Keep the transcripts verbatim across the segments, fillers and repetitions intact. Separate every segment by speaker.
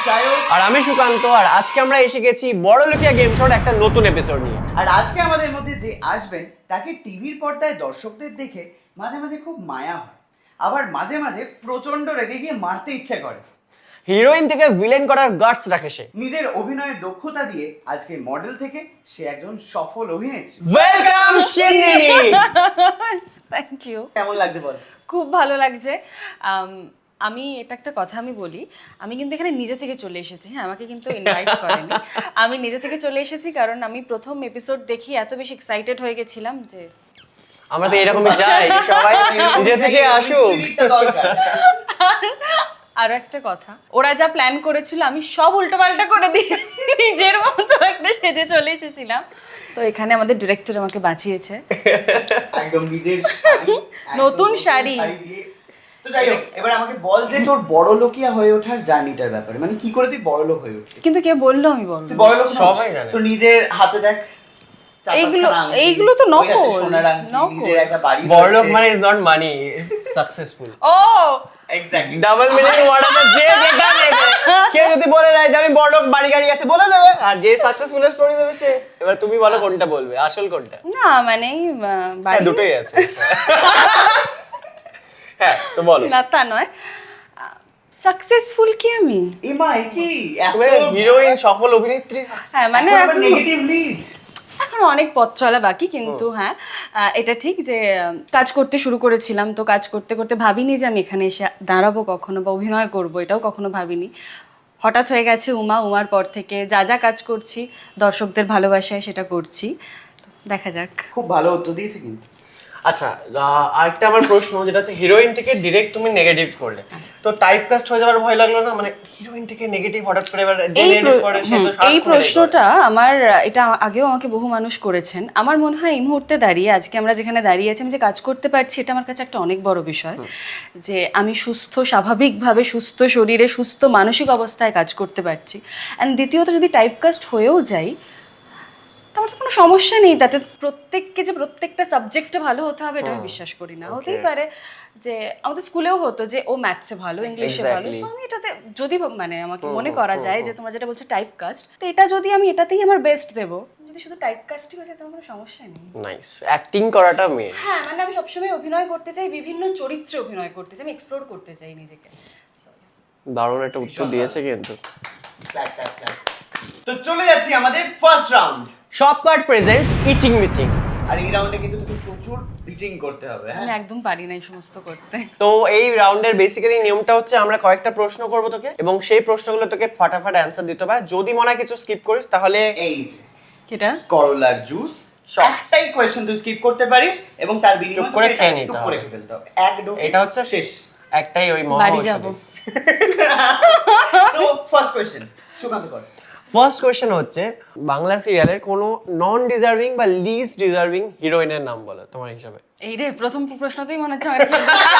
Speaker 1: সায়ক
Speaker 2: আর আমি সুকান্ত, আর আজকে আমরা এসে গেছি বড়লোকিয়া গেম শোর একটা নতুন এপিসোড নিয়ে।
Speaker 1: আর আজকে আমাদের মধ্যে যে আসবেন তাকে টিভির পর্দায় দর্শকদের দেখে মাঝে মাঝে খুব মায়া হয়, আবার মাঝে মাঝে প্রচন্ড রেগে গিয়ে মারতে ইচ্ছে করে।
Speaker 2: হিরোইন থেকে ভিলেন করার গাটস রাখে সে।
Speaker 1: নিজের অভিনয়ের দক্ষতা দিয়ে আজকে মডেল থেকে সে একজন সফল অভিনেত্রী।
Speaker 2: ওয়েলকাম সিন্দিনি।
Speaker 3: Thank you.
Speaker 1: কেমন লাগছে বল?
Speaker 3: খুব ভালো লাগছে। আম, আমি এটা একটা কথা আমি বলি, আমি কিন্তু এখানে নিজে থেকে চলে এসেছি, হ্যাঁ, আমাকে কিন্তু ইনভাইট করেনি। আমি নিজে থেকে চলে এসেছি কারণ আমি প্রথম এপিসোড দেখি এত বেশি এক্সাইটেড হয়ে গেছিলাম যে
Speaker 2: আমরা তো এরকমই চাই, সবাই নিজে থেকে আসুক।
Speaker 3: আরো একটা কথা, ওরা যা প্ল্যান করেছিল আমি সব উল্টোপাল্টা করে দিয়ে নিজের মতো একটা সেজে চলে এসেছিলাম। তো এখানে আমাদের ডিরেক্টর আমাকে বাঁচিয়েছে।
Speaker 1: একদম নিজের শাড়ি,
Speaker 3: নতুন
Speaker 1: একদম
Speaker 3: শাড়ি।
Speaker 1: দিয়ে। তো যাই হোক, এবার আমাকে বল যে তোর বড়লোকিয়া হয়ে ওঠার জার্নিটার ব্যাপারে, মানে কি করে তুই বড়লোক হয়ে উঠলি?
Speaker 3: কিন্তু কে বললো আমি বলবো?
Speaker 1: তুই বড়লোক
Speaker 2: সবাই জানে।
Speaker 1: তো নিজের হাতে দেখ চার
Speaker 3: এইগুলো
Speaker 1: পাঁচখানা আংটি,
Speaker 3: এইগুলো তো
Speaker 1: ওই হাতে
Speaker 3: নকল
Speaker 1: সোনার আংটি,
Speaker 3: নকল।
Speaker 1: নিজের একটা বাড়ি
Speaker 2: বড়লোক
Speaker 1: রয়েছে।
Speaker 2: মানে ইজ নট মানি, সাকসেসফুল।
Speaker 3: ও
Speaker 1: এক্স্যাক্টলি
Speaker 2: ডাবল মিনিং ওয়ার্ড আছে, যে যেটা নেবে। কেউ যদি বলে দেয় যে আমি বড়লোক বাড়ি গাড়ি আছে বলে দেবে, আর যে সাকসেসফুল স্টোরি দেবে সে। এবার তুমি বলো কোনটা বলবে, আসল কোনটা?
Speaker 3: না মানে আহ,
Speaker 2: হ্যাঁ,
Speaker 3: বাড়ি-
Speaker 2: দুটোই আছে। হ্যাঁ, তো বলো।
Speaker 3: না তা নয়, সাকসেসফুল কি আমি?
Speaker 1: ইমা কি এত
Speaker 2: তুমি হিরোইন, সফল অভিনেত্রী।
Speaker 3: হ্যাঁ মানে এখন
Speaker 1: নেগেটিভ লিড।
Speaker 3: এখন অনেক পথ চলা বাকি, কিন্তু হ্যাঁ আহ, এটা ঠিক যে আহ, কাজ করতে শুরু করেছিলাম, তো কাজ করতে করতে ভাবিনি যে আমি এখানে এসে দাঁড়াবো কখনো বা অভিনয় করব, এটাও কখনো ভাবিনি। হঠাৎ হয়ে গেছে উমা, উমার পর থেকে যা যা কাজ করছি দর্শকদের ভালোবাসায় সেটা করছি। তো দেখা যাক।
Speaker 1: খুব ভালো উত্তর দিয়েছে কিন্তু।
Speaker 2: আচ্ছা, আহ, আরেকটা আমার প্রশ্ন, যেটা হচ্ছে হিরোইন থেকে ডিরেক্ট তুমি নেগেটিভ করলে, তো টাইপ কাস্ট হয়ে যাওয়ার ভয় লাগলো না? মানে হিরোইন থেকে নেগেটিভ হঠাৎ করে এবার যে
Speaker 3: এই
Speaker 2: নেগেটিভ
Speaker 3: প্র-
Speaker 2: করে সে
Speaker 3: হুম,
Speaker 2: তো
Speaker 3: এই
Speaker 2: সারাক্ষণ এটাই করে।
Speaker 3: প্রশ্নটা আমার, এটা আগেও আমাকে বহু মানুষ করেছেন। আমার মনে হয় এই মুহূর্তে দাঁড়িয়ে, আজকে আমরা যেখানে দাঁড়িয়ে আছি, আমি যে কাজ করতে পারছি, এটা আমার কাছে একটা অনেক বড় বিষয়। যে আমি সুস্থ, স্বাভাবিকভাবে সুস্থ শরীরে, সুস্থ মানসিক অবস্থায় কাজ করতে পারছি। অ্যান্ড দ্বিতীয়ত যদি টাইপকাস্ট হয়েও যাই, তো আমার তো কোনো সমস্যা নেই তাতে। প্রত্যেককে যে প্রত্যেকটা সাবজেক্টে ভালো হতে হবে এটা আমি বিশ্বাস করি না। হতেই পারে যে আমাদের স্কুলেও হতো যে ও ম্যাথসে ভালো, ইংলিশে ভালো,
Speaker 2: Exactly.
Speaker 3: সো আমি এটাতে যদি মানে আমাকে মনে করা যায় যে তোমরা যেটা বলছো টাইপ কাস্ট, তো এটা যদি আমি এটাতেই আমার বেস্ট দেবো, যদি শুধু টাইপ কাস্টই হয়ে যায় তোমার কোনো সমস্যা নেই।
Speaker 2: নাইস, অ্যাক্টিং করাটা মেন।
Speaker 3: হ্যাঁ মানে আমি সবসময় অভিনয় করতে চাই, বিভিন্ন চরিত্রে অভিনয় করতে চাই, আমি এক্সপ্লোর করতে চাই নিজেকে।
Speaker 2: দারুণ একটা উত্তর দিয়েছে কিন্তু।
Speaker 1: Clap, clap, clap. তো চলে যাচ্ছি আমাদের ফার্স্ট রাউন্ড।
Speaker 2: সব কার্ড প্রেজেন্ট, ইচিং মিচিং।
Speaker 1: আর এই রাউন্ডে কিন্তু তোকে প্রচুর পিচিং করতে হবে, হ্যাঁ?
Speaker 3: আমি একদম পারি না এই সমস্ত করতে।
Speaker 2: তো এই রাউন্ডের বেসিক্যালি নিয়মটা হচ্ছে আমরা কয়েকটা প্রশ্ন করব তোকে, এবং সেই প্রশ্নগুলো তোকে ফাটাফাট অ্যান্সার দিতে হবে। যদি মনে হয় কিছু স্কিপ করিস তাহলে
Speaker 1: এই যে
Speaker 3: কেটা
Speaker 1: করলার জুস,
Speaker 2: Shots.
Speaker 1: একটাই কোয়েশ্চেন তুই স্কিপ করতে পারিস এবং তার বিনিময়ে
Speaker 2: টুক করে
Speaker 1: তোকে
Speaker 2: খেয়ে
Speaker 1: এটা
Speaker 2: নিতে
Speaker 1: টুক
Speaker 2: হবে।
Speaker 1: করে খেয়ে ফেলতে হবে। এক ডো
Speaker 2: এটা হচ্ছে
Speaker 1: শেষ।
Speaker 2: একটাই ওই
Speaker 3: বাড়ি
Speaker 2: মহা
Speaker 3: যাব।
Speaker 1: তো ফার্স্ট কোয়েশ্চেন সুকান্ত কর।
Speaker 2: ফার্স্ট কোশ্চেন হচ্ছে বাংলা সিরিয়ালের কোনো নন ডিজার্ভিং বা লিস্ট ডিজার্ভিং হিরোইনের নাম বলো তোমার হিসাবে।
Speaker 3: এই রে, প্রথম প্রশ্নতেই মনে হচ্ছে আমার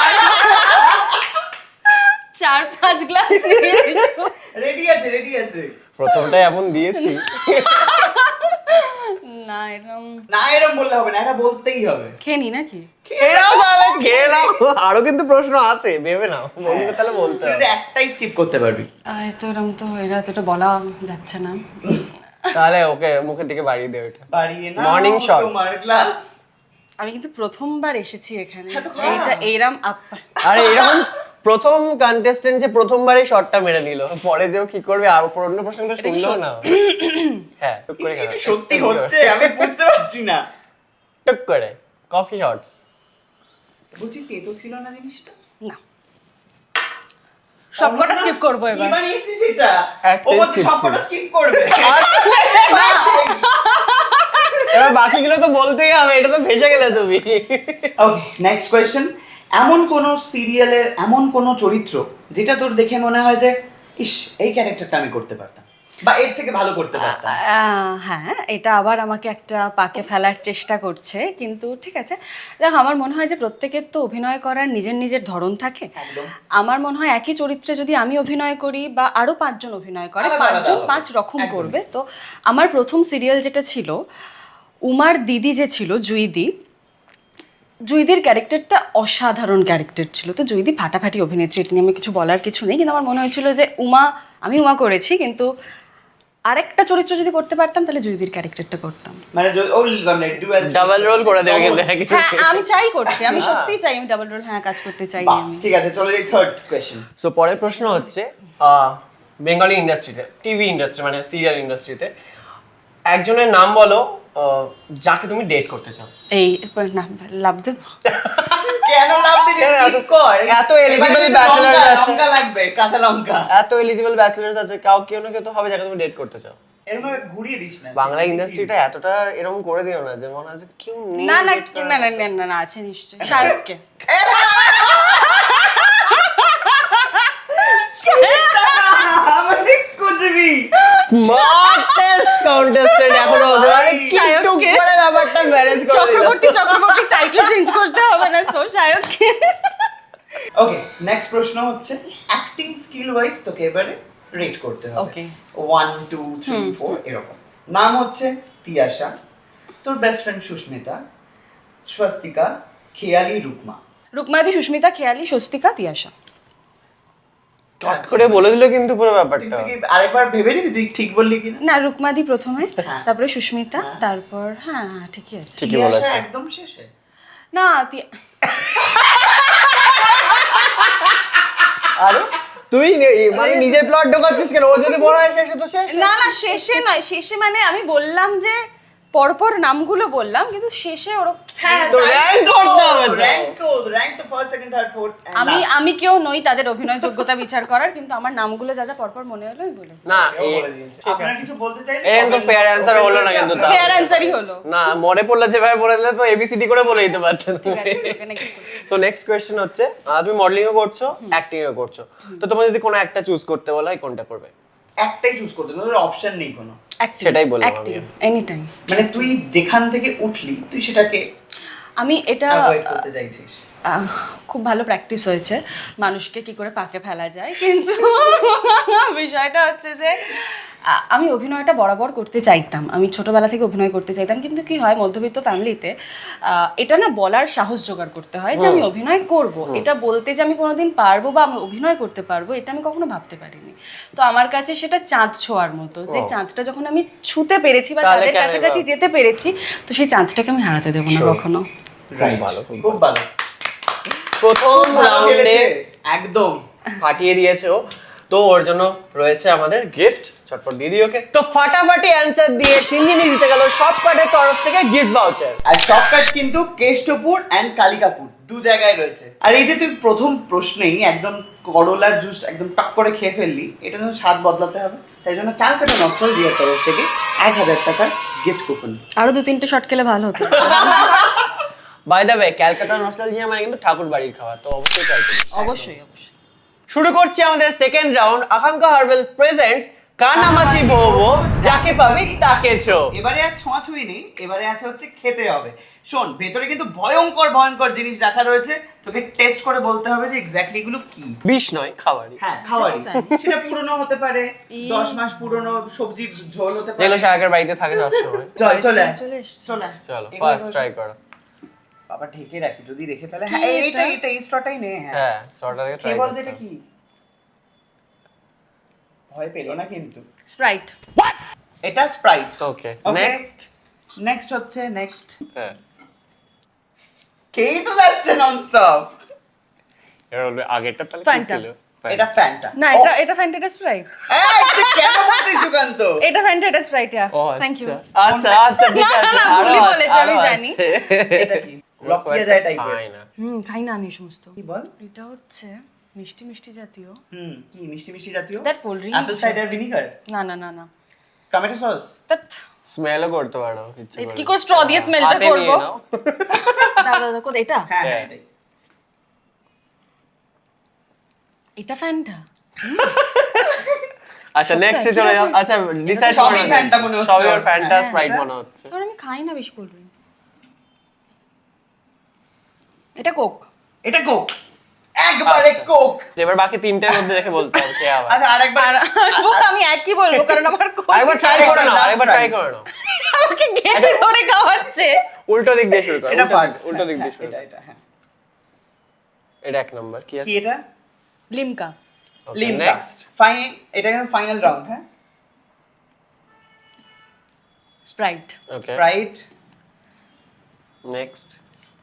Speaker 3: চার পাঁচ গ্লাস নিয়ে এসো।
Speaker 1: রেডি আছে, রেডি আছে।
Speaker 2: প্রথমটাই এমন দিয়েছি।
Speaker 3: না এরকম
Speaker 1: না এরকম বললে হবে না, এটা বলতেই হবে।
Speaker 3: খেয়ে নি নাকি?
Speaker 2: খেয়ে নাও তাহলে, খেয়ে নাও। আরো কিন্তু প্রশ্ন আছে, ভেবে নাও। বলতে তাহলে বলতে
Speaker 1: তুই
Speaker 2: হবে।
Speaker 1: যদি একটাই স্কিপ করতে পারবি।
Speaker 3: আহ, তো এরকম তো এরা তো এটা বলা যাচ্ছে না।
Speaker 2: তাহলে ওকে মুখের দিকে বাড়িয়ে দে ওটা।
Speaker 1: বাড়িয়ে না
Speaker 2: Morning shots.
Speaker 1: তোমার গ্লাস।
Speaker 3: আমি কিন্তু প্রথমবার এসেছি এখানে,
Speaker 1: হ্যাঁ তো খা।
Speaker 3: এইটা এইরাম আপ্পা।
Speaker 2: আরে এরকম প্রথম কন্টেস্টেন্ট যে প্রথমবারই শটটা মেরে নিল, পরে যেও কি করবে আর অন্য প্রশ্ন তো
Speaker 3: এটা কি
Speaker 2: শুনলো
Speaker 3: সত্যি?
Speaker 2: না। হ্যাঁ, টুক করে
Speaker 1: এটা
Speaker 2: খেলো।
Speaker 1: সত্যি হচ্ছে, আমি বুঝতে পারছি না।
Speaker 2: টুক করে কফি শটস।
Speaker 1: বলছি তেতো ছিল না জিনিসটা?
Speaker 3: না, সবকটা স্কিপ করবো
Speaker 1: কি
Speaker 3: এবার।
Speaker 1: বানিয়েছিস এটা? ও
Speaker 2: একটাই
Speaker 1: বলছে
Speaker 2: skip
Speaker 1: সবকটা
Speaker 2: ছিল।
Speaker 1: স্কিপ করবে।
Speaker 2: এবার বাকিগুলো তো বলতেই হবে, এটা তো ভেসে গেলে তুমি।
Speaker 1: Okay, next question. এমন কোন সিরিয়ালের এমন কোন চরিত্র যেটা তোর দেখে মনে হয় যে ইস এই ক্যারেক্টারটা আমি করতে পারতাম বা এর থেকে ভালো করতে পারতাম?
Speaker 3: আহ, হ্যাঁ, এটা আবার আমাকে একটা পাকে ফেলার চেষ্টা করছে, কিন্তু ঠিক আছে। দেখো, আমার মনে হয় যে প্রত্যেকের তো অভিনয় করার নিজের নিজের ধরন থাকে।
Speaker 1: একদম।
Speaker 3: আমার মনে হয় একই চরিত্রে যদি আমি অভিনয় করি বা আরো পাঁচজন অভিনয় করে,
Speaker 1: আলাদা আলাদা
Speaker 3: পাঁচজন
Speaker 1: হবে।
Speaker 3: পাঁচ রকম
Speaker 1: একদম।
Speaker 3: করবে। তো আমার প্রথম সিরিয়াল যেটা ছিল, উমার দিদি যে ছিল জুইদি, জুইদির ক্যারেক্টারটা অসাধারণ ক্যারেক্টার ছিল। তো জুইদি ফাটাফাটি অভিনেত্রী, এটা নিয়ে আমি কিছু বলার কিছু নেই, কিন্তু আমার মনে হয়েছিল যে উমা আমি উমা করেছি, কিন্তু আরেকটা চরিত্র যদি করতে পারতাম তাহলে জুইদির ক্যারেক্টারটা করতাম।
Speaker 1: মানে য- ও মানে ডুয়াল
Speaker 2: ডাবল রোল করে দেবে কিন্তু একই।
Speaker 3: হ্যাঁ আমি চাই করতে, আমি সত্যিই চাই, আমি ডাবল রোল হ্যাঁ কাজ করতে চাই
Speaker 1: বাহ,
Speaker 3: আমি।
Speaker 1: ঠিক আছে, চলে যাই থার্ড কোয়েশ্চেন।
Speaker 2: সো পরের প্রশ্ন হচ্ছে বেঙ্গলি ইন্ডাস্ট্রিতে, টিভি ইন্ডাস্ট্রি মানে সিরিয়াল ইন্ডাস্ট্রিতে একজনের নাম বলো আহ, যাকে তুমি ডেট করতে চাও।
Speaker 3: এই না লাভ দেব,
Speaker 1: কেন লাভ দিবি?
Speaker 2: কেন এত-
Speaker 1: Skip কর।
Speaker 2: এত eligible
Speaker 1: এবারে কিন্তু
Speaker 2: bachelor
Speaker 1: লঙ্কা-
Speaker 2: আছে।
Speaker 1: লঙ্কা লাগবে, কাঁচা লঙ্কা।
Speaker 2: এত এলিজিবল ব্যাচেলার্স আছে, কাউ কেউ না কেউ তো হবে যাকে তুমি ডেট করতে চাও।
Speaker 1: এরকম ভাবে ঘুরিয়ে দিস না।
Speaker 2: বাংলা ইন্ডাস্ট্রিটা এতটা এরকম করে দিও না যে মনে হচ্ছে কেউ নেই
Speaker 3: না না
Speaker 2: date করার
Speaker 3: না না
Speaker 2: মতো।
Speaker 3: না না না আছে নিশ্চয়ই, শাহরুখকে।
Speaker 1: মানে কুচবি।
Speaker 2: Smartest contestant এখনো হতে পারে, কি
Speaker 3: শাহরুখকে।
Speaker 2: টুক করে ব্যাপারটা ম্যানেজ করে দিল।
Speaker 3: চক্রবর্তী চক্রবর্তী টাইটেল চেঞ্জ করতে হবে না, সো শাহরুখকে।
Speaker 1: ওকে, নেক্সট প্রশ্ন হচ্ছে অ্যাক্টিং স্কিল ওয়াইজ তোকে এবারে রেট করতে হবে।
Speaker 3: Okay.
Speaker 1: One two three four এরকম। নাম হচ্ছে তিয়াশা, তোর বেস্ট ফ্রেন্ড সুস্মিতা, স্বস্তিকা, খেয়ালি, রুকমা।
Speaker 3: রুকমাদি, সুস্মিতা, খেয়ালি, স্বস্তিকা, তিয়াশা।
Speaker 2: চট করে বলে দিল কিন্তু পুরো
Speaker 1: তুই
Speaker 2: ব্যাপারটা।
Speaker 1: তুই কি আরেকবার ভেবে নিবি তুই ঠিক বললি কিনা?
Speaker 3: না রুকমাদি প্রথমে,
Speaker 1: হ্যাঁ।
Speaker 3: তারপরে সুস্মিতা, তারপর হ্যাঁ হ্যাঁ ঠিকই আছে।
Speaker 2: ঠিকই
Speaker 1: তিয়াশা
Speaker 2: বলেছে।
Speaker 1: একদম শেষে।
Speaker 3: না তিয়া-
Speaker 2: আরে তুই নে- মানে নিজের প্লট ঢোকাচ্ছিস কেন? ও যদি বলা হয় শেষে তো শেষ।
Speaker 3: না না শেষে নয়, শেষে মানে আমি বললাম যে পরপর নামগুলো বললাম, কিন্তু শেষে ওর
Speaker 1: হ্যাঁ,
Speaker 2: তো
Speaker 1: তাই
Speaker 2: rank
Speaker 1: তো,
Speaker 2: করতে হবে তো।
Speaker 1: rank কর, rank তো first, second, third, fourth and
Speaker 3: আমি
Speaker 1: last।
Speaker 3: আমি কেউ নই তাদের অভিনয় যোগ্যতা বিচার করার, কিন্তু আমার নামগুলো যা যা পরপর মনে হলো আমি বলে।
Speaker 2: না
Speaker 1: এও
Speaker 2: এ-
Speaker 1: বলে দিয়েছে।
Speaker 2: ঠিক
Speaker 1: আপনারা
Speaker 2: আছে।
Speaker 1: কিছু বলতে চাইলে
Speaker 2: এরকম তো
Speaker 1: comment-
Speaker 2: fair answer
Speaker 1: comment
Speaker 2: হলো না
Speaker 1: box এ
Speaker 2: কিন্তু
Speaker 1: আপনারা-
Speaker 2: তাও।
Speaker 3: ফেয়ার অ্যান্সারই হলো।
Speaker 2: না মনে পড়লে যেভাবে বলে দিলে তো এবিসিডি করে বলে দিতে পারতেন।
Speaker 3: ঠিক আছে, সেখানে কি করবো?
Speaker 2: তো নেক্সট কোয়েশ্চেন হচ্ছে আহ, তুমি মডেলিংও করছো, অ্যাক্টিংও করছো, তো তোমার যদি কোনো একটা চুজ করতে বলা হয় কোনটা করবে?
Speaker 1: একটাই চুজ করতে হবে, অপশন নেই কোনো।
Speaker 3: Acting,
Speaker 2: সেটাই বললাম
Speaker 3: acting,
Speaker 2: আমিও।
Speaker 3: anytime।
Speaker 1: মানে তুই যেখান থেকে উঠলি তুই সেটাকে
Speaker 3: আমি এটা
Speaker 1: অ্যাভয়েড করতে চাইছিস।
Speaker 3: আহ, খুব ভালো প্র্যাকটিস হয়েছে মানুষকে কি করে পাকে ফেলা যায়, কিন্তু বিষয়টা হচ্ছে যে আ- আমি অভিনয়টা বরাবর করতে চাইতাম, আমি ছোটবেলা থেকে অভিনয় করতে চাইতাম, কিন্তু কি হয় মধ্যবিত্ত ফ্যামিলিতে এটা না বলার সাহস জোগাড় করতে হয় যে আমি অভিনয় করব, এটা বলতে যে আমি কোনোদিন পারবো বা আমি অভিনয় করতে পারবো এটা আমি কখনো ভাবতে পারিনি। তো আমার কাছে সেটা চাঁদ ছোঁয়ার মতো, যে
Speaker 2: ও।
Speaker 3: চাঁদটা যখন আমি ছুঁতে পেরেছি বা
Speaker 2: তাহলে
Speaker 3: চাঁদের
Speaker 2: কেন
Speaker 3: কাছাকাছি
Speaker 2: বা?
Speaker 3: যেতে পেরেছি, তো সেই চাঁদটাকে আমি হারাতে দেবো না
Speaker 2: Sure.
Speaker 3: কখনো।
Speaker 1: Right.
Speaker 2: ভালো, খুব
Speaker 1: খুব ভালো।
Speaker 2: প্রথম
Speaker 1: খুব ভালো
Speaker 2: রাউন্ডে
Speaker 1: খেলেছে, একদম।
Speaker 2: ফাটিয়ে দিয়েছে ও, তো ওর জন্য রয়েছে আমাদের গিফট, চটপট দিয়ে দিই ওকে। তো ফাটাফাটি অ্যান্সার দিয়ে সিঞ্জিনি জিতে গেল সব কার্ডের তরফ থেকে গিফট ভাউচার।
Speaker 1: আর শর্টকাট কিন্তু কেষ্টপুর এন্ড কালিকাপুর দু জায়গায় রয়েছে। আর এই যে তুই প্রথম প্রশ্নেই একদম করলার জুস একদম টক করে খেয়ে ফেললি, এটা জন্য স্বাদ বদলাতে হবে, তাই জন্য ক্যালকাটা নস্টালজিয়ার তরফ থেকে এক হাজার টাকার গিফট কুপন।
Speaker 3: আরো দু তিনটে শট খেলে ভালো হতো।
Speaker 2: By the way Calcutta nostalgia মানে কিন্তু ঠাকুর বাড়ির খাবার, তো অবশ্যই ট্রাই করিস।
Speaker 3: অবশ্যই অবশ্যই।
Speaker 2: শুরু করছি আমাদের second round, Akanksha herbal presents কানামাছি ভোবো, যাকে পাবি তাকে চো।
Speaker 1: এবারে আর ছোঁয়াছুঁই নেই, এবারে আছে হচ্ছে খেতে হবে। শোন, ভেতরে কিন্তু ভয়ঙ্কর ভয়ঙ্কর জিনিস রাখা রয়েছে, তোকে টেস্ট করে বলতে হবে যে এক্স্যাক্টলি এগুলো কি।
Speaker 2: বিষ নয় খাবারই,
Speaker 1: হ্যাঁ, খাওয়ারই।
Speaker 3: সেটা জানি।
Speaker 1: সেটা পুরনো হতে পারে,
Speaker 3: ই-
Speaker 1: দশ মাস পুরনো সবজির ঝোল হতে পারে।
Speaker 2: যেগুলো শাকের বাড়িতে থাকে সবসময়।
Speaker 1: চল চলে আয়,
Speaker 3: চলে এসছে।
Speaker 1: চলে আয়।
Speaker 2: চলো
Speaker 1: এগুলো
Speaker 2: ফার্স্ট
Speaker 1: এবার-
Speaker 2: ট্রাই করো।
Speaker 1: বাবা ঢেকে রাখি, যদি রেখে ফেলে।
Speaker 3: কি
Speaker 1: হ্যাঁ এইটা
Speaker 3: এটা?
Speaker 1: এইটা এই স্টটাই নে। হ্যাঁ,
Speaker 2: হ্যাঁ সরটা থেকে ট্রাই
Speaker 1: খেয়ে বল
Speaker 2: করো।
Speaker 1: যে এটা কি। ভয় পেলো না কিন্তু।
Speaker 3: স্প্রাইট।
Speaker 1: এটা Sprite.
Speaker 2: Okay
Speaker 1: Okay.
Speaker 2: Next.
Speaker 1: Next হচ্ছে নেক্সট।
Speaker 2: হ্যাঁ
Speaker 1: খেয়েই তো যাচ্ছে ননস্টপ।
Speaker 2: এর আগেরটা তাহলে কি
Speaker 3: Fanta.
Speaker 2: ছিল?
Speaker 1: এটা ফ্যান্টা।
Speaker 3: না এটা এটা ফ্যান্টা, এটা স্প্রাইট।
Speaker 1: এই তুই কেন বলছিস সুকান্ত?
Speaker 3: এটা ফ্যান্টা, এটা স্প্রাইট। ইয়া
Speaker 2: ও
Speaker 3: থ্যাংক ইউ।
Speaker 2: আচ্ছা আচ্ছা ঠিক
Speaker 3: না, না,
Speaker 2: আছে,
Speaker 3: না,
Speaker 2: আরো
Speaker 3: ভুলই
Speaker 2: আছে,
Speaker 3: বলেছি, আমি
Speaker 2: আরো
Speaker 3: জানি।
Speaker 2: আছে।
Speaker 1: এটা কি? লকিয়ে যায় টাইপের।
Speaker 2: খাই না।
Speaker 3: হুম খাই না আমি এই সমস্ত।
Speaker 1: কি বল?
Speaker 3: এটা হচ্ছে মিষ্টি মিষ্টি জাতীয়।
Speaker 1: হুম, কি মিষ্টি মিষ্টি জাতীয়?
Speaker 3: That cold drink
Speaker 1: অ্যাপল
Speaker 3: কিছু।
Speaker 1: সাইডার ভিনিগার,
Speaker 3: না না না না।
Speaker 1: Tomato sauce.
Speaker 3: তাত
Speaker 2: স্মেলও করতে পারো ইচ্ছে
Speaker 3: এটা
Speaker 2: করে।
Speaker 3: কি করে স্ট্র দিয়ে স্মেলটা
Speaker 2: হাতে নিয়ে
Speaker 3: করব?
Speaker 2: নাও।
Speaker 3: দাদা দাদা কোথায় এটা?
Speaker 1: হ্যাঁ,
Speaker 2: হ্যাঁ।
Speaker 1: হ্যাঁ, এটাই।
Speaker 3: এটা ফ্যান্টা।
Speaker 2: আচ্ছা
Speaker 3: সবটা
Speaker 2: নেক্সট
Speaker 3: একই
Speaker 2: চলে যাও।
Speaker 3: রকম।
Speaker 2: আচ্ছা ডিসাইড
Speaker 1: সবই
Speaker 2: করো।
Speaker 1: Fanta মনে হচ্ছে
Speaker 2: সবই ওর
Speaker 1: ওর।
Speaker 2: ফ্যান্টা
Speaker 1: হ্যাঁ,
Speaker 2: স্প্রাইট
Speaker 1: এটা-
Speaker 2: মনে হচ্ছে।
Speaker 3: কারণ আমি খাই না বেশি কোল্ড ড্রিঙ্ক। এটা কোক।
Speaker 1: এটা কোক, একবারে
Speaker 2: আচ্ছা।
Speaker 1: কোক।
Speaker 2: এবার বাকি তিনটের মধ্যে দেখে বলতে হবে কে আবার।
Speaker 1: আচ্ছা আরেকবার।
Speaker 3: আর আমি একই বলবো কারণ আমার কোক।
Speaker 2: আরেকবার ট্রাই
Speaker 1: আরেকবার
Speaker 2: করে নাও,
Speaker 1: last
Speaker 2: আরেকবার
Speaker 1: try।
Speaker 2: ট্রাই করে নাও।
Speaker 3: আমাকে গেটে ধরে খাওয়াচ্ছে।
Speaker 2: উল্টো দিক দিয়ে শুরু করো।
Speaker 1: এটা
Speaker 2: উল্টো
Speaker 1: ফার্স্ট।
Speaker 2: দিক- উল্টো দিক দিয়ে শুরু
Speaker 1: এটা
Speaker 2: করো।
Speaker 1: এটা হ্যাঁ।
Speaker 2: এটা এক নাম্বার কি
Speaker 1: কি
Speaker 2: আছে?
Speaker 1: এটা?
Speaker 3: লিমকা।
Speaker 1: লিমকা
Speaker 2: নেক্সট
Speaker 1: ফাইনাল, এটা কিন্তু ফাইনাল রাউন্ড। হ্যাঁ,
Speaker 3: Sprite.
Speaker 2: Okay
Speaker 1: right.
Speaker 2: Next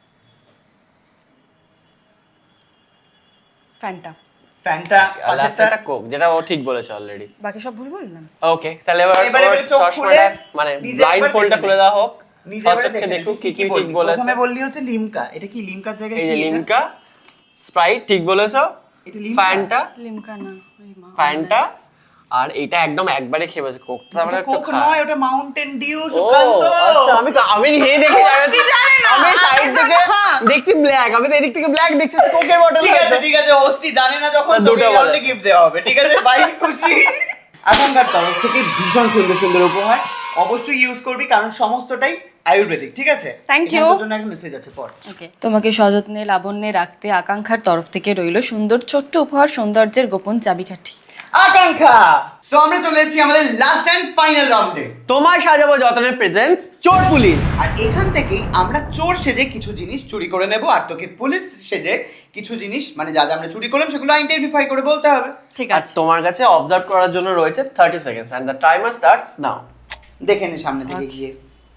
Speaker 3: Fanta.
Speaker 1: Fanta,
Speaker 2: লাস্টটা কোক, যেটা ও ঠিক বলেছে অলরেডি।
Speaker 3: বাকি সব ভুল বললাম।
Speaker 2: ওকে, তাহলে এবার
Speaker 1: এবারে
Speaker 2: ওর
Speaker 1: এবারে চোখ খুলে
Speaker 2: চশমাটা মানে
Speaker 1: নিজে
Speaker 2: ব্লাইন্ড
Speaker 1: একবার
Speaker 2: ফোল্ডটা
Speaker 1: দেখে
Speaker 2: খুলে
Speaker 1: নে।
Speaker 2: দেওয়া হোক,
Speaker 1: নিজে
Speaker 2: সচক্ষে
Speaker 1: একবার দেখে
Speaker 2: দেখুক
Speaker 1: নে,
Speaker 2: কি কি ঠিক
Speaker 1: বললি?
Speaker 2: বলেছে।
Speaker 1: প্রথমে বললি হচ্ছে লিমকা, এটা কি লিমকার জায়গায়
Speaker 2: এই
Speaker 1: কি
Speaker 2: যে
Speaker 1: এটা?
Speaker 2: লিমকা, স্প্রাইট ঠিক বলেছো,
Speaker 1: এটা লিমকা?
Speaker 2: ফ্যান্টা,
Speaker 3: লিমকা না, ওই মা।
Speaker 2: ফ্যান্টা, আর এটা একদম একবারে খেয়ে বসে কোকটা আমরা
Speaker 1: ওটা
Speaker 2: একটু
Speaker 1: কোক
Speaker 2: খাই।
Speaker 1: নয়, ওটা মাউন্টেন ডিউ
Speaker 2: ও
Speaker 1: সুকান্ত।
Speaker 2: আচ্ছা, আমি তো- আমি এই দেখে
Speaker 3: হোস্টই জানে না,
Speaker 2: আমি সাইড
Speaker 3: আমি তো
Speaker 2: থেকে
Speaker 3: না।
Speaker 2: দেখছি ব্ল্যাক, আমি তো এদিক থেকে ব্ল্যাক দেখছি কোকের বটল।
Speaker 1: ঠিক আছে ঠিক আছে, হোস্টই জানে না যখন
Speaker 2: দুটো
Speaker 1: দুটো রাউন্ডে
Speaker 2: বলেছে।
Speaker 1: গিফট দেওয়া হবে। ঠিক আছে, বাই, খুশি। এখনকার তরফ থেকে ভীষণ সুন্দর সুন্দর উপহার, অবশ্যই ইউজ করবি কারণ সমস্তটাই আয়ুর্বেদিক। ঠিক আছে,
Speaker 3: Thank
Speaker 1: এখানে
Speaker 3: you.
Speaker 1: তোর জন্য একটা মেসেজ আছে, পড়।
Speaker 3: ওকে, তোমাকে সযত্নে লাবণ্যে রাখতে আকাঙ্ক্ষার তরফ থেকে রইল সুন্দর ছোট্ট উপহার, সৌন্দর্যের গোপন চাবিকাঠি।
Speaker 1: আকাঙ্ক্ষা। সো আমরা চলে এসেছি আমাদের লাস্ট এন্ড ফাইনাল রাউন্ডে।
Speaker 2: তোমায় সাজাবো যতনের প্রেজেন্টস চোর পুলিশ।
Speaker 1: আর এখান থেকেই আমরা চোর সেজে কিছু জিনিস চুরি করে নেব, আর তোকে পুলিশ সেজে কিছু জিনিস মানে যা যা আমরা চুরি করলাম সেগুলো আইডেন্টিফাই করে বলতে হবে।
Speaker 3: ঠিক
Speaker 2: আর
Speaker 3: আছে।
Speaker 2: তোমার কাছে অবজার্ভ করার জন্য রয়েছে thirty seconds and the timer starts now.
Speaker 1: দেখে নে সামনে থেকে গিয়ে।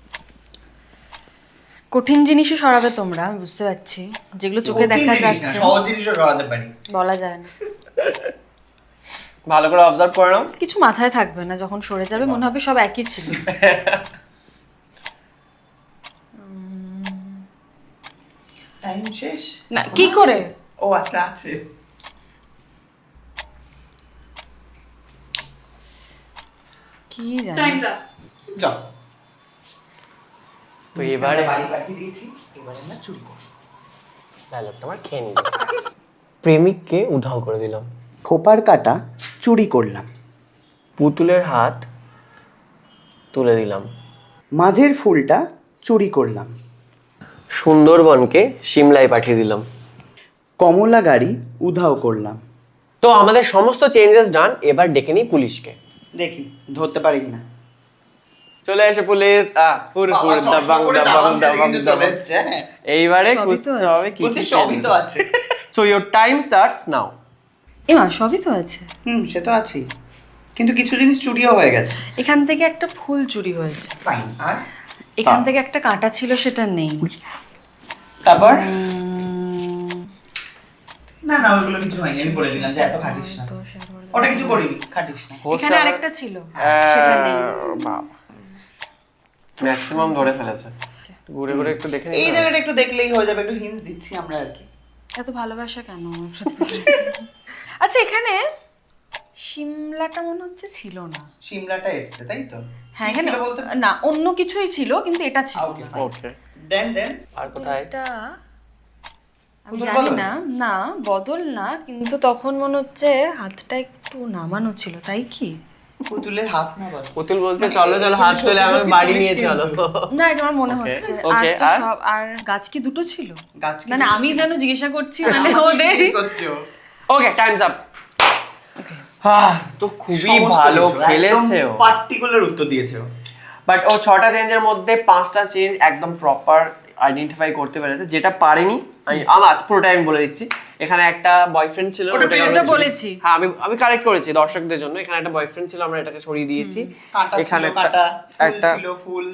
Speaker 3: কঠিন জিনিসই সরাবে তোমরা, আমি বুঝতে পারছি, যেগুলো চোখে দেখা যাচ্ছে
Speaker 1: সহজ জিনিসও সরাতে পারি।
Speaker 3: বলা যায় না।
Speaker 2: ভালো করে অবজার্ভ করে নাও।
Speaker 3: কিছু মাথায় থাকবে না, যখন সরে যাবে মনে হবে সব একই ছিল।
Speaker 1: টাইম শেষ
Speaker 3: না, কি করে?
Speaker 1: ও আচ্ছা, আছে।
Speaker 3: কি জানি।
Speaker 4: Time's up.
Speaker 1: যাও।
Speaker 2: তো এবারে
Speaker 1: বাড়ি পাঠিয়ে দিয়েছি, এবারে আমরা চুরি করব।
Speaker 2: ডায়লগটা আমার খেয়ে নিল। প্রেমিককে উধাও করে দিলাম,
Speaker 1: খোপার কাটা চুরি করলাম,
Speaker 2: পুতুলের হাত তুলে দিলাম,
Speaker 1: মাঝের ফুলটা চুরি করলাম,
Speaker 2: সুন্দরবনকে সিমলায় পাঠিয়ে দিলাম।
Speaker 1: কমলা গাড়ি উধাও করলাম।
Speaker 2: তো আমাদের সমস্ত চেঞ্জেস ডান, এবার ডেকে নিই পুলিশকে।
Speaker 1: দেখি ধরতে পারি কিনা।
Speaker 2: চলে এসে পুলিশ, আহ হুর হুর দাবাং দাবাং দাবাং দাবাং। এইবারে
Speaker 3: সবই তো
Speaker 2: বুঝতে
Speaker 3: আছে।
Speaker 2: হবে কি কি
Speaker 1: সবই তো আছে।
Speaker 2: So your time starts now.
Speaker 3: এমা, সবই তো আছে।
Speaker 1: হুম, সে তো আছেই, কিন্তু কিছু জিনিস চুরিও হয়ে গেছে।
Speaker 3: এখান থেকে একটা ফুল চুরি হয়েছে,
Speaker 1: ফাইন। আর
Speaker 3: এখান থেকে একটা কাঁটা ছিল, সেটা নেই।
Speaker 1: তারপর
Speaker 3: উম,
Speaker 1: না না, ওগুলো কিছু হয়নি, আমি বলে দিলাম যে এত খাটিস না।
Speaker 3: দশ, এগারো,
Speaker 1: ওটা কিছু করিনি, খাটিস না।
Speaker 3: এখানে আরেকটা ছিল, সেটা নেই।
Speaker 2: ম্যাক্সিমাম ধরে ফেলেছে। ঘুরে ঘুরে একটু দেখে
Speaker 1: এই
Speaker 2: নিই।
Speaker 1: জায়গাটা একটু দেখলেই হয়ে যাবে, একটু হিন্টস দিচ্ছি আমরা আর কি।
Speaker 3: এত ভালোবাসা কেন? আচ্ছা, এখানে সিমলাটা মনে হচ্ছে ছিল না।
Speaker 1: সিমলাটা এসছে তাই তো?
Speaker 3: হ্যাঁ,
Speaker 1: কি
Speaker 3: এখানে
Speaker 1: ছিল বলতে?
Speaker 3: না, অন্য কিছুই ছিল, কিন্তু এটা ছিল
Speaker 1: ওকে
Speaker 3: না।
Speaker 1: ফাইন।
Speaker 2: ওকে,
Speaker 1: দেন দেন
Speaker 2: আর কোথায়?
Speaker 3: এটা আমি
Speaker 1: পুতুল
Speaker 3: জানি
Speaker 1: বদল?
Speaker 3: না, না বদল না, কিন্তু তখন মনে হচ্ছে হাতটা একটু নামানো ছিল, তাই কি?
Speaker 1: পুতুলের হাত না বল।
Speaker 2: পুতুল বলছে চলো চলো হাত তুলে আমি বাড়ি নিয়ে চলো।
Speaker 3: না, এটা আমার মনে
Speaker 2: Okay,
Speaker 3: হচ্ছে। আর
Speaker 2: okay,
Speaker 3: তো
Speaker 2: আর?
Speaker 3: সব, আর গাছ কি দুটো ছিল?
Speaker 1: গাছ কি
Speaker 3: মানে
Speaker 1: দুটো
Speaker 3: আমি
Speaker 1: ছিল?
Speaker 3: যেন জিজ্ঞাসা করছি, মানে ওদের
Speaker 1: কি করছো?
Speaker 2: Okay, time's up. হ্যাঁ, তো খুবই ভালো খেলেছে ও।
Speaker 1: পার্টিকুলার উত্তর দিয়েছে ও।
Speaker 2: বাট ও ছটা চেঞ্জের মধ্যে পাঁচটা চেঞ্জ একদম প্রপার আইডেন্টিফাই করতে পেরেছে, যেটা পারেনি আমি আমার পুরোটাই আমি বলে দিচ্ছি। এখানে একটা বয়ফ্রেন্ড ছিল,
Speaker 1: ওটা
Speaker 2: ওটাকে
Speaker 3: এটা
Speaker 2: আমরা-
Speaker 3: বলেছি।
Speaker 2: হ্যাঁ, আমি আমি কারেক্ট করেছি দর্শকদের জন্য। এখানে একটা বয়ফ্রেন্ড ছিল, আমরা এটাকে সরিয়ে দিয়েছি।
Speaker 1: কাঁটা
Speaker 2: এখানে
Speaker 1: ছিল,
Speaker 2: একটা-
Speaker 1: কাঁটা, ফুল
Speaker 2: একটা
Speaker 1: ছিল, ফুল।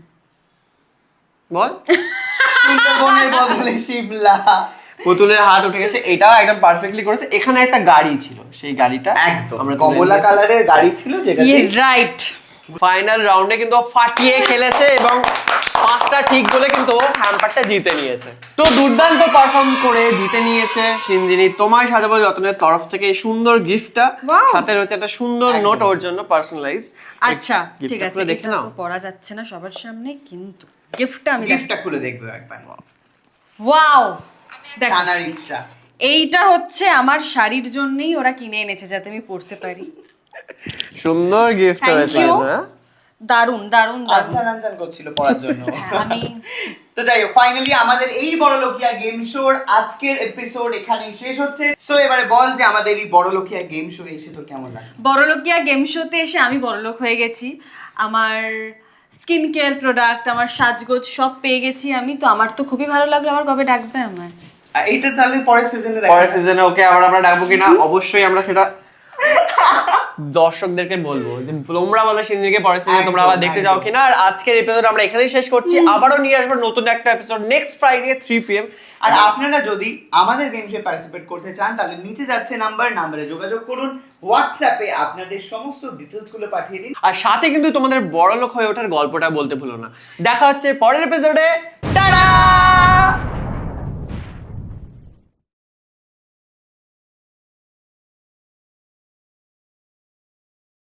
Speaker 2: বল,
Speaker 1: সুন্দরবনের বদলে শিমলা।
Speaker 2: পুতুলের হাত উঠে গেছে, এটাও একদম পারফেক্টলি করেছে। এখানে একটা গাড়ি ছিল, সেই গাড়িটা
Speaker 1: একদম
Speaker 2: আমরা
Speaker 1: কমলা কালারের গাড়ি ছিল, যেটা
Speaker 3: ইয়ে রাইট।
Speaker 2: ফাইনাল রাউন্ডে কিন্তু ও ফাটিয়ে খেলেছে এবং পাঁচটা ঠিক বলে কিন্তু ও হ্যাম্পারটা জিতে নিয়েছে। তো দুর্দান্ত পারফর্ম করে জিতে নিয়েছে সিনজিনি তোমায় সাজাবো যতনের তরফ থেকে এই সুন্দর গিফটটা।
Speaker 3: Wow!
Speaker 2: সাথে রয়েছে একটা সুন্দর নোট ওর জন্য পার্সোনালাইজ।
Speaker 3: আচ্ছা, ঠিক আছে,
Speaker 2: দেখে
Speaker 3: এটা
Speaker 2: নাও।
Speaker 3: তো পড়া যাচ্ছে না সবার সামনে, কিন্তু গিফটটা আমি
Speaker 1: গিফটটা খুলে দেখবে একবার।
Speaker 3: ওয়াও, দেখো,
Speaker 1: টানা রিকশা।
Speaker 3: এইটা হচ্ছে আমার শাড়ির জন্যই ওরা কিনে এনেছে, যাতে আমি পড়তে পারি।
Speaker 2: সুন্দর গিফট
Speaker 3: Thank
Speaker 2: হয়েছে
Speaker 3: you.
Speaker 2: না?
Speaker 3: দারুন দারুন দারুন।
Speaker 1: আনসান আনসান করছিল পড়ার জন্য।
Speaker 3: হ্যাঁ, আমি
Speaker 1: তো যাই হোক, ফাইনালি আমাদের এই বড়লোকিয়া গেম শোর আজকের এপিসোড এখানেই শেষ হচ্ছে। সো এবারে বল যে আমাদের এই বড়লোকিয়া গেম শো এসে তোর কেমন লাগে?
Speaker 3: বড়লোকিয়া গেম শোতে এসে আমি বড়লোক হয়ে গেছি। আমার স্কিন কেয়ার প্রোডাক্ট, আমার সাজগোজ সব পেয়ে গেছি আমি, তো আমার তো খুবই ভালো লাগলো। আমার কবে ডাকবে আমায়?
Speaker 1: আর এইটা তাহলে পরের সিজনে
Speaker 2: পরের
Speaker 1: দেখা
Speaker 2: সিজনে ওকে আবার আমরা ডাকবো কিনা অবশ্যই আমরা সেটা দর্শকদেরকে বলবো যে তোমরা বলো সিনজিকে পরের সিজনে তোমরা আবার দেখতে যাও কিনা। আর আজকের এপিসোড আমরা এখানেই শেষ করছি, আবারও নিয়ে আসবো নতুন একটা episode next Friday three P M.
Speaker 1: আর আপনারা যদি আমাদের গেম শোয়ে পার্টিসিপেট করতে চান তাহলে নিচে যাচ্ছে নাম্বার, নাম্বারে যোগাযোগ করুন, হোয়াটসঅ্যাপে আপনাদের সমস্ত ডিটেলস গুলো পাঠিয়ে দিন।
Speaker 2: আর সাথে কিন্তু তোমাদের বড় লোক হয়ে ওঠার গল্পটা বলতে ভুলো না। দেখা হচ্ছে পরের এপিসোডে।